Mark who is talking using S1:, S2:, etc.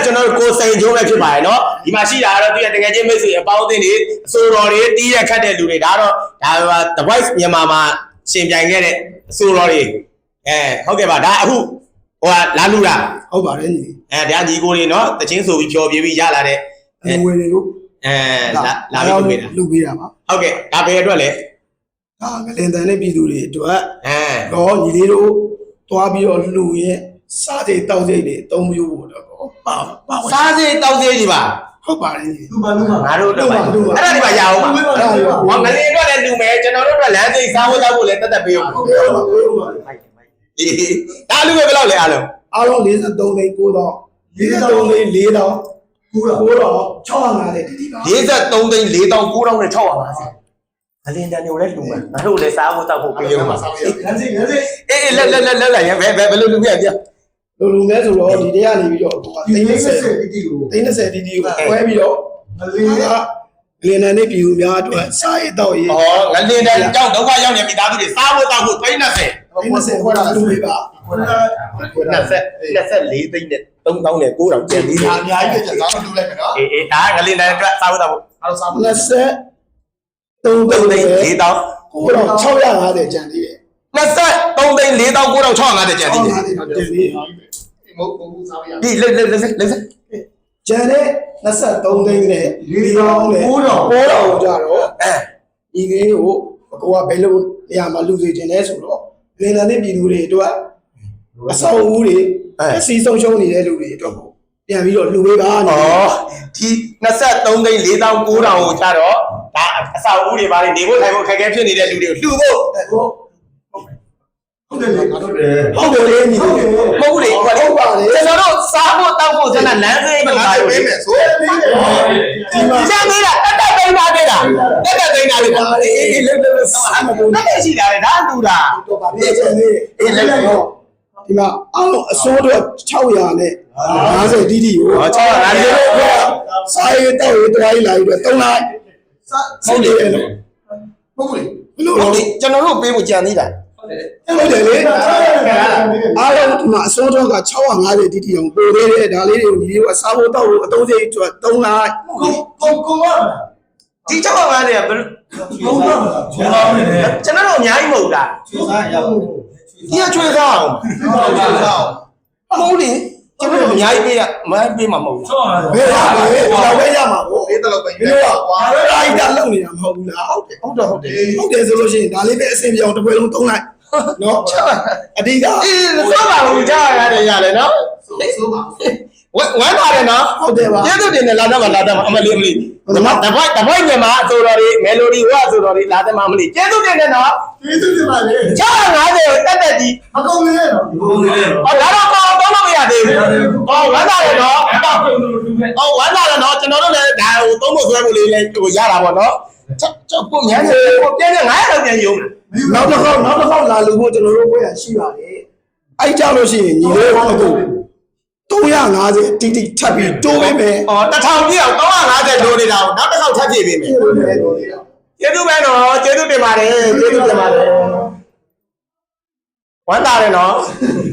S1: ကျွန်တော်တို့ကိုစိန်ကျိုးပဲဖြစ်ပါတယ်နော်ဒီမှာရှိတာကတော့သူရဲ့တကယ်ချင်းမိတ်ဆွေအပေါင်းအသင်းတွေအစိုးရတွေတီးရက်ခတ်တဲ့လူတွေဒါတော့ဒါ The Voice မြန်မာမှာရှင်ပြိုင်ခဲ့တဲ့အစိုးရတွေဟုတ်ကဲ့ပါဒါအခုဟိုကလာလူတာ
S2: ဟုတ်ပါတယ်ညီ
S1: ဒါညီကိုတွေနော်တချင်းဆိုပြီးဖြော်ပြပြီးရလာတဲ့
S2: ငွေတွေကို
S1: လာပြီး
S2: လူပေးတာပါ
S1: ဟုတ်ကဲ့ဒါဘယ်အတွက်လဲ
S2: ဒါငလင်တန်တဲ့ပြည်သူတွေအတွက်တော့ညီလေးတို့တွားပြီးတော့လူရဲ့စားစိတ်တောက်စိတ်တွေအသုံးပြုဖို့တော့ပါ
S1: စားစိတ်တောက်စိတ်တွေပါ
S2: ဟုတ်ပါတယ်
S1: လူပါငါတို့တော့ပါအဲ့ဒါဒီမှာရအောင်ပါဟောငလင်အတွက်လည်းလူမယ်ကျွန်တော်တို့အတွက်လမ်းစိတ်စားဖို့တောက်ဖို့လည်းတက်တက်ပေးအောင်ဒါလူပဲဘယ်လောက်လဲအားလုံး
S2: 43သိန်း9တော့43သိန်း4တော့9တော့650တိတိပါ
S1: 43သိန်း4တောင်9တောင်နဲ့650အလင်းတန်တွေကိုလည်းလူမယ်ငါတို့လည်းစားဖို့တောက်ဖို့ပေးအောင်ပါ
S2: လမ်းစိတ်
S1: လက်ရဘယ်လိုလူပြပြ
S2: လူမဲဆိုတော့ဒီတည်းကနေပြီးတော့သိန်း30တိတိကိုသိန်း30တိတိကိုခွဲပြီးတော့ငလင်တန်နဲ့ပြည်သူများအတွက်စားရတော့ရေး
S1: ငလင်တန်ကြောင့်ဒုက္ခရောက်နေမိသားစုတွေစားဖို့တောက်ဖို့သိန်း30
S2: ခွဲတာလူတွေပါ
S1: 24သိန်းနဲ့3000နဲ့9000ကျန်သေးတယ်
S2: အများကြီးကျန်စားလို့လိုက်မယ်နော်
S1: ဒါငလင်တန်အတွက်စားဖို့တောက်ဖို့
S2: အဲ့တော့စားဖို့23သိန်း
S1: 4000
S2: 650ကျန်သေးတယ်
S1: 23သိန်း4650ကျန်သေးတယ်
S2: မဟုတ်စားရ
S1: ဒီလက်
S2: ကျန်တဲ့23သိန်းနဲ့4000နဲ့9000ကြတော့ဒီကလေးကိုကိုကဘယ်လိုနေရာမှာလူစီခြင်းလဲဆိုတော့လင်တန်တဲ့ပြည်သူတွေအတွက်အဆောက်အဦတွေအစီဆုံးရှုံးနေတဲ့လူတွေအတွက်ကိုပြန်ပြီးတော့လူပေးပါ
S1: နေဒီ23သိန်း4900ကိုကြတော့ဒါအဆောက်အဦတွေပါနေဖို့ထိုင်ဖို့ခက်ခဲဖြစ်နေတဲ့လူတွေကိုလှူဖို့
S2: ဟုတ်တယ်ငါတို့တယ်ဟုတ်တယ်ညီ
S1: မဟုတ်ဘူးလေ
S2: ဟုတ်ပါတယ်
S1: ကျွန်တော်တို့စားဖို့တောက်ဖို့ကျွန်တော်လမ်းစိမ့်မှာပေးမယ်ဆိုဒီမှာကျန်နေတာတက်သိမ်းပါသေးတာတက်သိမ်းတာလေအေးလက်စားမလို့တက်ရှိတာလေဒါလူတာ
S2: တော့ပါလေကျန်နေလက်တော့ဒီမှာအောက်အစိုးတော့600နဲ့50တီတီကို650စားရတော့ရတွားလိုက်တော့3လိုက်
S1: ဟုတ်တယ်လို့
S2: ဟုတ်ဘူး
S1: လေဘလို့ကျွန်တော်တို့ပေးဖို့ကြံသေးတာ
S2: ဟုတ်တယ်လေအားလုံးဒီမှာအစိုးတော့က650တီတီအောင်ပို့သေးတယ်ဒါလေးတွေကိုညီလေးကစားဖို့တော့အသုံးစရိတ်အတွက်3လိုက်
S1: ကိုရဒီ650เนี่ยဘယ်
S2: ဟုတ်ပါ
S1: ဘူးကျွန်တော်တို့အများကြီးမဟုတ်လား
S2: ချွေးစားရအောင်
S1: ဒီကချွေးစားအောင်မဟုတ်လေကျွန်တော်တို့အများကြီးပေးရမပေးမှာမဟုတ်ဘူး
S2: ဘယ်ဟာလဲတော့ပဲရမှာပေါ့
S1: ပေးတော့ပဲ
S2: ပြီးတော့ကွာအဲ့ဒါလောက်နေတာမဟုတ်ဘူးလား
S1: ဟုတ်
S2: တယ်ဆိုလို့ရှိရင်ဒါလေးပဲအဆင်ပြေအောင်တစ်ပွဲလုံး3လိုက်နော်အဓိက
S1: အေးစောပါဘူးကြားရတယ်ရတယ်နော်
S2: စိုးပါ
S1: ဝမ်းပါတယ်နော်
S2: ဟုတ်တယ်ပါ
S1: ကျေးဇူးတင်တယ်လာတော့အမလေးတပိုက်မြန်မာအစိုးရတွေမယ်လိုဒီဝအစိုးရတွေလာတယ်မလေးကျေးဇူးတင်တယ်နော်
S2: ကျေးဇူးတင်ပါလေ
S1: 650ကိုတက်ကြီး
S2: မကုန်လေနော်
S1: ဟောဒါတော့ကောင်းလို့မရသေးဘူးဟောဝမ်းသာတယ်နော်ဟောဝမ်းသာတယ်နော်ကျွန်တော်တို့လည်းဒါဟိုသုံးဖို့ဆွဲဖို့လေးလည်းဟိုရတာပေါ့နော်ကိုမြန်နေကိုပြင်းနေ900လောက်ပြန်ယုံ
S2: နောက်တစ်ခေါက်လာလို့ကျွန်တော်တို့ဘွဲရရှိပါတယ်အဲ့ကြလို့ရှိရင်ညီလေးတို့350တိတိထပ်ပြီးတိုးပေးမယ်
S1: ။1000ပြည့်အောင်350တိုးနေတာကိုနောက်တစ်ခေါက်ထပ်ပြည့်ပေးမယ်။ကျေးဇူးပဲနော်ကျေးဇူးတင်ပါတယ်ကျေးဇူးတင်ပါတယ်။ဝမ်းသာတယ်နော်။